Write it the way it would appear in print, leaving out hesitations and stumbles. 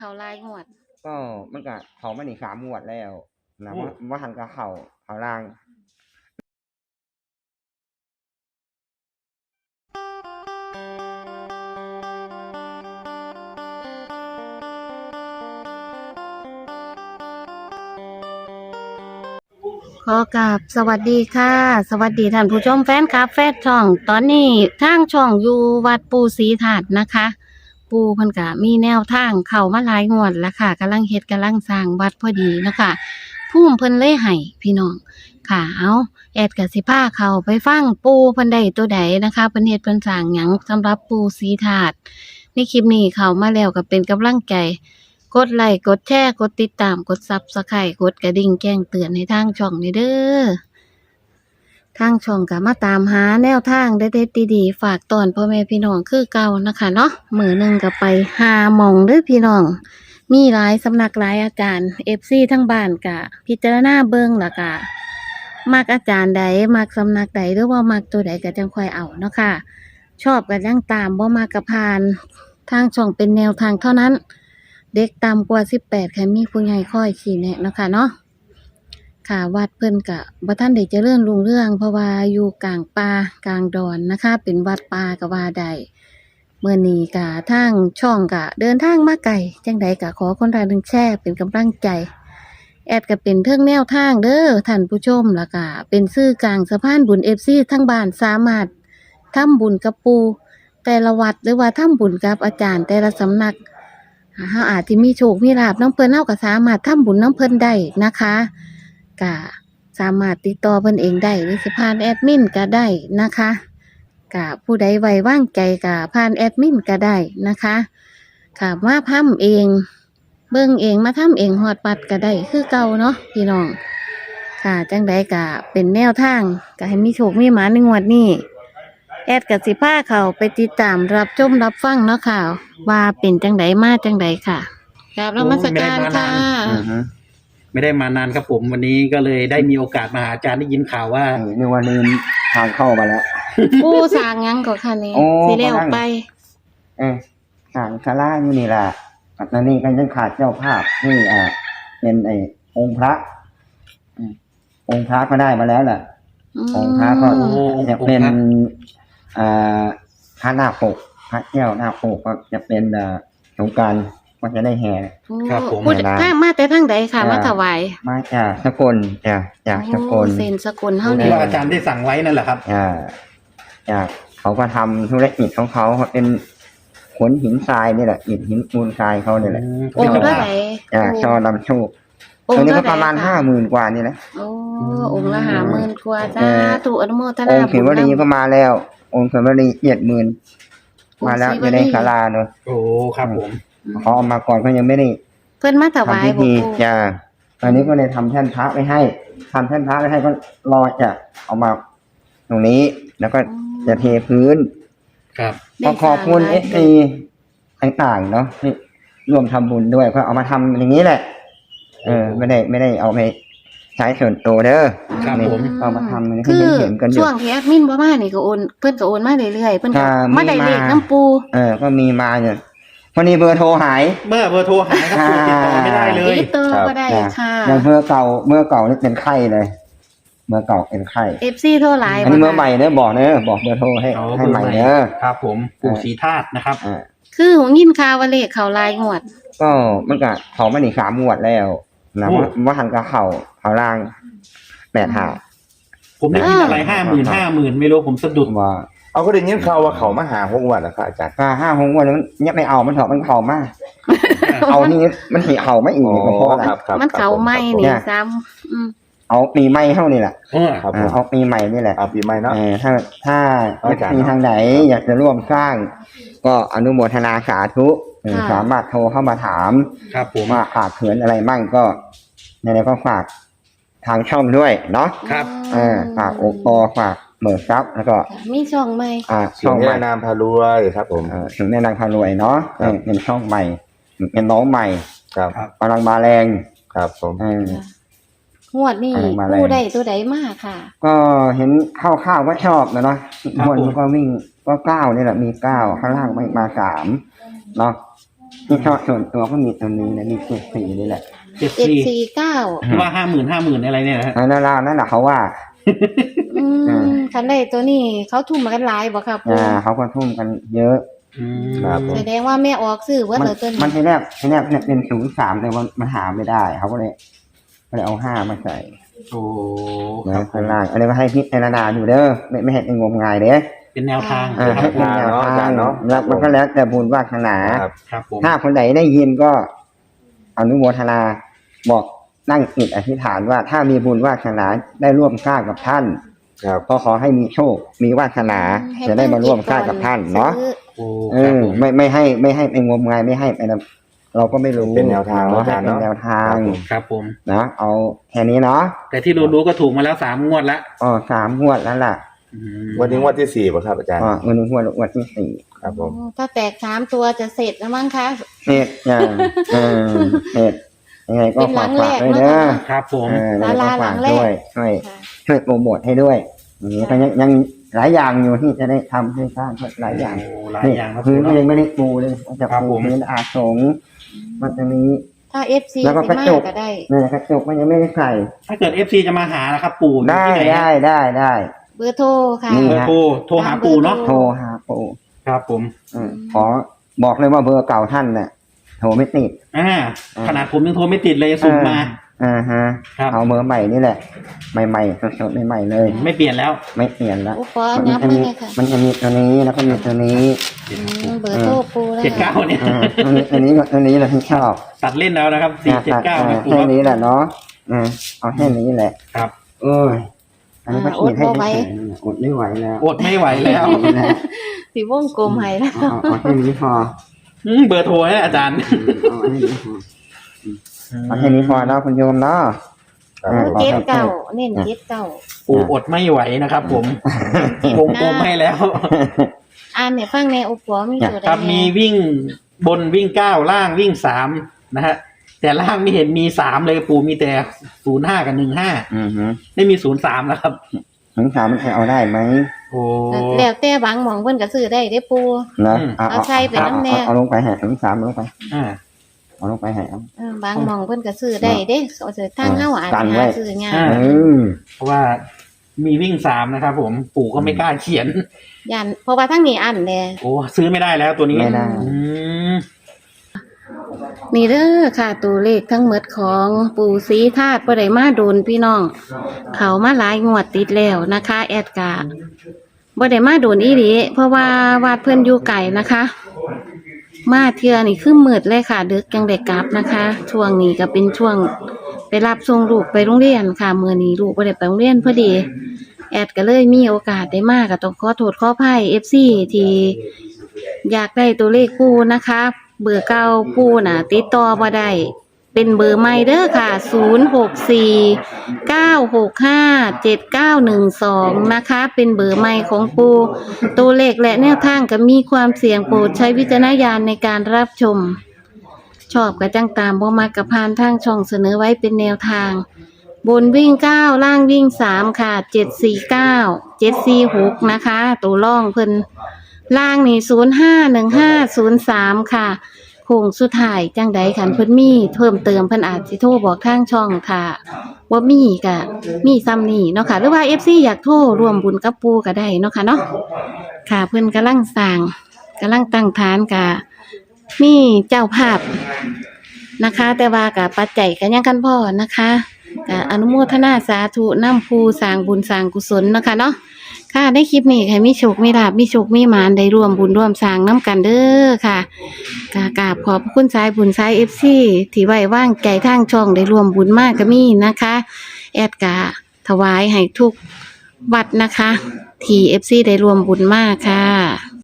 เขารายงวดก็มันก็เขามานี่3งวดแล้วนะว่าหันกับเขาล่างขอกราบสวัสดีค่ะ สวัสดีท่านผู้ชมแฟนคลับแฟนช่อง ตอนนี้ทางช่องอยู่วัดปูศรีถาดนะคะ ปูเพิ่นก็มีแนวทางเข้ามาหลายงวดแล้วค่ะกำลังเฮ็ดกำลังสร้างวัดพอดีนะคะภูมิเพิ่นเลยให้พี่น้องค่ะเอาแอดก็สิพาเข้าไปฟังปูเพิ่นได้ตัวใดนะคะเพิ่นเฮ็ดเพิ่นสร้างหยังสำหรับปูศรีถาดในคลิปนี้เข้ามาแล้วก็เป็นกำลังใจกดไลค์กดแชร์กดติดตามกด Subscribe กดกระดิ่งแจ้งเตือนให้ทางช่องนี่เด้อทางช่องก็มาตามหาแนวทางเด็ดๆดีๆฝากตอนพ่อแม่พี่น้องคือเก่านะคะเนาะมื้อนึงก็ไปหาหม่องเด้อพี่น้องมีหลายสำนักหลายอาจารย์ FC ทั้งบ้านก็พิจารณาเบิ่งแล้วก็มักอาจารย์ใดมักสำนักใดหรือว่ามักตัวใดก็จังค่อยเอาเนาะค่ะชอบก็ยังตามบ่มักก็ผ่านทางช่องเป็นแนวทางเท่านั้นเด็กต่ำกว่า18ค่ะมีผู้ใหญ่คอยชี้แนะเนาะค่ะเนาะค่ะวัดเพิ่นก็บ่ทันได้เจริญรุ่งเรืองเพราะว่าอยู่กลางป่ากลางดอนนะคะเป็นวัดป่าก็ว่าได้มื้อนี้ก็ทางช่องก็เดินทางมาไกลจังใดก็ขอคนละ1แชร์เป็นกำลังใจแอดก็เป็นเทิงแนวทางเด้อท่านผู้ชมแล้วก็เป็นสื่อกลางสะพานบุญ FC ทั้งบ้านสามารถทำบุญกับปู่แต่ละวัดหรือว่าทำบุญกับอาจารย์แต่ละสำนักเฮาอาจสิมีโชคมีลาภนำเพิ่นเฮาก็สามารถทำบุญนำเพิ่นได้นะคะก็สามารถติดต่อเพิ่นเองได้หรือสิผ่านแอดมินก็ได้นะคะก็ผู้ใดไว้วางใจก็ผ่านแอดมินก็ได้นะคะค่ะมาทำเองเบิ่งเองมาทำเองฮอดปัดก็ได้คือเก่าเนาะพี่น้องค่ะจังใดก็เป็นแนวทางก็ให้มีโชคมีหมาในงวดนี้แอดกับสิพาเขาไปติดตามรับชมรับฟังเนาะค่ะว่าเป็นจังใดมาจังใดค่ะกราบนมัสการค่ะไม่ได้มานานครับผมวันนี้ก็เลยได้มีโอกาสมาหาอาจารย์ได้ยินข่าวว่าในวันนี้ทางเข้ามาแล้วปูสร้างหยังก็ค่ะนี่โอ้สิแล้วไปทางศาลาอยู่นี่ล่ะปัตตานีก็ยังขาดเจ้าภาพนี่เป็นองค์พระองค์พระก็ได้มาแล้วแหละองค์พระก็จะเป็นพระนาคปกพระแก้วนาคปกก็จะเป็นสงกรานต์ก็จะได้แห่ครับผมพูดทางมาแต่ทางใดค่ะมาถวายมาจากสกลจากสกลเซ็นสกุลเฮาที่นี่ว่าอาจารย์ได้สั่งไว้นั่นแหละครับจากเขาก็ทำธุรกิจของเขาเป็นขนหินทรายนี่แหละหินมูลทรายเขาเนี่ยแหละองค์เท่าไหร่ช่อลำโชคองตรงค์นี้เท่าก็ไหร่ประมาณค่ะ 50,000 กว่านี่แหละโอ้องค์ละ50,000กว่าจ้าถูกอนุโมทอนางค์เขมรีก็มาแล้ว องค์เขมรี70,000มาแล้วอยู่ในศาลาเนอะโอ้ครับผมเขาเอามาก่อนเขายังไม่ได้เพิ่นมาถวายทำพิบ่ธีปู่ตอนนี้ก็เลยทำแท่นพระไว้ให้ทำแท่นพระไว้ให้ก็รอจะเอามาตรงนี้ แล้วก็จะเทพื้นครับก็ขอบคุณSCต่างๆเนาะที่ร่วมทำบุญด้วยก็เอามาทำอย่างนี้แหละไม่ได้เอาไปใช้ส่วนตัวเด้อครับนี่ผมเอามาทำให้คือเห็นกันอยู่ช่วงที่แอดมินบ่มานี่ก็โอนเพิ่นก็โอนมาเรื่อยๆเพิ่นก็มาได้เลขน้ำปูก็มีมาเนี่ยวันนี้เบอร์โทรหายเมื่อเบอร์โทรหายครับผมติดต่อไม่ได้เลยติดต่อก็ได้ค่ะอย่างเบอร์เก่านี่เป็นไข้เลยเบอร์เก่าเป็นไข้ FC โทรหลายอันนี้เบอร์ใหม่เนอะบอกเบอร์โทรให้อ๋อให้ใหม่เบอร์ใหม่เนอะครับผมปู่ศรีธาตุนะครับคือหงยินข่าวว่าเลขเขารายงวดก็มันก็เขามาหนี3 งวดแล้วนะว่าหันกับเขาล่าง85 ผมได้ยินอะไร50,000ไม่รู้ผมสะดุดว่าเอาก็ได้ยินข่าวว่าเขามาหา6 วันนะครับอาจารย์ก็5 6 งวดแล้วเนี่ยไม่เอามันเถอะมันเขามากเอานี่มันหีเขาไม่อีกก็เพราะอะไรครับมันเขาไม่นี่ซ้ำเอาปีใหม่เท่านี่แหละครับผมเอาปีใหม่นี่แหละเอาปีใหม่เนาะถ้าอาจารย์มีทางไหนอยากจะร่วมสร้าง ก็อนุโมทนาสาธุสามารถโทรเข้ามาถามครับผมว่าขาดเขินอะไรมั่งก็ในนี้ก็ฝากทางช่องด้วยเนาะครับฝากโอปอฝากเบิร์ซับแล้วก็มีช่องไหมช่องแม่นามพารวยครับผมถึงแม่นางพารวยเนาะครับเป็นช่องใหม่เป็นน้องใหม่ครับกำลังมาแรงครับผมงวดนี่มาแรงผู้ใดตัวใดมากค่ะก็เห็นข้าวก็ชอบนะเนาะบนก็วิ่งก็9นี่แหละมี9ข้างล่างมา3เนาะที่ชอบส่วนตัวก็มีตัวนี้นะมี74นี่แหละ 749 ว่า50,000อะไรเนี่ยนะฮะอันนั้นนั่นแหละเขาว่าคันได้ตัวนี้เขาทุ่มมากันหลายบ่ครับปู่เขาก็ทุ่มกันเยอะครับผมแสดงว่าแม่ออกซื้อว่ามันเตัวนี้มันทีแรกเนี่ยเป็น03แต่ว่ามันหาไม่ได้เขาก็เลยเอา5มาใส่โอ้คนะรับข้างล่างอันนี้ก็ให้พิจารณาอยู่เด้อไม่ให้เป็นงมงายเด้อเป็นแนวทางให้เป็นแนวทางแล้วมันก็แล้วแต่บุญวาสนาครับครับผมถ้าคนไหนได้ยินก็อนุโมทนาบอกนั่งจิตอธิษฐานว่าถ้ามีบุญวาสนาได้ร่วมสร้างกับท่านครับก็ขอให้มีโชคมีวาสนาจะได้มาร่วมสร้างกับท่านเนาะโอ้เอครับอผมไม่ให้ไปงมงายไม่ให้ไปนะเราก็ไม่รู้เป็นแนวทางเนาะเนาะเป็นแนวทางครับผมนะเอาแค่นี้เนาะแต่ที่รู้ๆก็ถูกมาแล้ว3 งวดละ 3 งวดแล้วล่ะวันนี้งวันที่4ป่ะครับอาจารย์วันนี้งวดที่ 4 ครับผมถ้าแตก3ตัวจะเสร็จแล้วมั้งคะเสร็จอย่างเสร็จยังไงก็เป็นหลัฝากงแรกด้วยเด้อครับผมแล้วก็ฝากหลังแรกด้วยช่วยโปรโมทให้ด้วยอย่างนี้ก็ยังหลายอย่างอยู่ที่จะได้ทำให้สร้างหลายอย่างโอ้หลายนี่อย่างครับพื้นผมก็ยังไม่ได้ปูเลยจะครับปูผมพื้นอาสงฆ์มันจะมีถ้า FC แล้วก็สิกระมาจกก็ได้เนี่ยกระจกมันยังไม่ได้ใส่ถ้าเกิด FC จะมาหานะครับปู่อยู่ได้ที่ไหนได้เบอร์โทรค่ะนี่เบอร์โทรหาปู่เนาะโทรหาปูครับผมขอบอกเลยว่าเบอร์เก่าท่านน่ะโทรไม่ติดขนาดผมยังโทรไม่ติดเลยสุ่มมาฮะครับเอาเบอร์ใหม่นี่แหละใหม่ๆสดๆใหม่ๆเลยไม่เปลี่ยนแล้วไม่เปลี่ยนละอุปกรณ์นับมาเลยค่ะมันจะมีตัวนี้แล้วก็มีตัวนี้เบอร์โทรปูแล้ว 79เนี่ยอันนี้เราที่ชอบตัดเล่นแล้วนะครับ479นะปู่แค่นี้แหละเนาะเอาแค่นี้แหละครับโอ้ยอันนี้ก็ขีดให้ได้อดไม่ไหวแล้วอดไม่ไหวแล้วสีวงกลมให้แล้วเอาแค่นี้พอเบอร์โทรให้อาจารย์เอาแค่นี้พอเนาะคุณโยมเนาะเก็ตเก่าเน้นเก็ตเก่าปู่อดไม่ไหวนะครับผมวงกลมให้แล้วอ่านเนี่ยฟังในอุปกรณ์มีตัวใดครับมีแน่วิ่งบนวิ่ง9ล่างวิ่ง3นะฮะแต่ล่างไม่เห็นมี3เลยปู่มีแต่05กับ15ไม่มี03แล้วครับถึง3มันใครเอาได้ไหมโอ้แล้วแต่บางหม่องเพิ่นก็ซื้อได้เด้ปูนะเอาใส่ไปน้ำแน่เอาลงไปแห่ถึง3ลงไปอ่าเอาลงไปแห่เอาบางหม่องเพิ่นก็ซื้อได้เด้เอาซื้อทางเฮาอาจกันจะไว้หาซื้อยากเพราะว่ามีวิ่ง3นะครับผมปู่ก็ไม่กล้าเขียนยันเพราะว่าทั้งนี้อันแน่โอ้ซื้อไม่ได้แล้วตัวนี้ไม่ได้อืมนี่เด้อค่ะตัวเลขทั้งหมดของปู่ศรีธาตุบ่ได้มาโดนพี่น้อง เขามาหลายงวดติดแล้วนะคะ แอดกาบ่ได้มาโดนอีหลีเพราะว่าวัดเพิ่นอยู่ไกลนะคะ มาเทื่อนี่คือมืดเลยค่ะดึกจังได้กลับนะคะ ช่วงนี้ก็เป็นช่วงไปรับส่งลูกไปโรงเรียนค่ะมื้อนี้ลูกบ่ได้ไปโรงเรียนพอดี แอดก็เลยมีโอกาสได้มาก็ต้องขอโทษขออภัย FC ที่อยากได้ตัวเลขปู่นะคะ เบอร์เก่าปู่น่ะติดต่อบ่ได้เป็นเบอร์ใหม่เด้อค่ะ0649657912นะคะ เป็นเบอร์ใหม่ของปู่ตัวเลขและแนวทางก็มีความเสี่ยงโปรดใช้วิจารณญาณในการรับชม ชอบก็จังตามบ่มักก็ผ่านทางช่องเสนอไว้เป็นแนวทาง บนวิ่ง9ล่างวิ่ง3ค่ะ749 746นะคะตัวล่องเพิ่นล่างนี่051503ค่ะโค้งสุดท้ายจังใดคันเพิ่นมีเพิ่มเติมเพิ่นอาจสิโทรบอกทางช่องค่ะบ่มีก็มีซ้ำนี่เนาะค่ะหรือว่า FC อยากโทรร่วมบุญกับปู่ก็ได้เนาะค่ะเนาะค่ะเพิ่นกำลังสร้างกำลังตั้งฐานกะมีเจ้าภาพนะคะ แต่ว่ากับปัจจัยก็ยังกันพอนะคะก็อนุโมทนาสาธุนำผู้สร้างบุญสร้างกุศลนะคะเนาะค่ะในคลิปนี้ให้มีโชคมีลาภมีโชคมีหมานได้ร่วมบุญร่วมสร้างน้ำกันเด้อค่ะกราบขอบพระคุณสายบุญสาย FC ที่ไว้วางใจทางช่องได้ร่วมบุญมากก็มีนะคะแอดกะถวายให้ทุกวัดนะคะที่ FC ได้ร่วมบุญมากค่ะ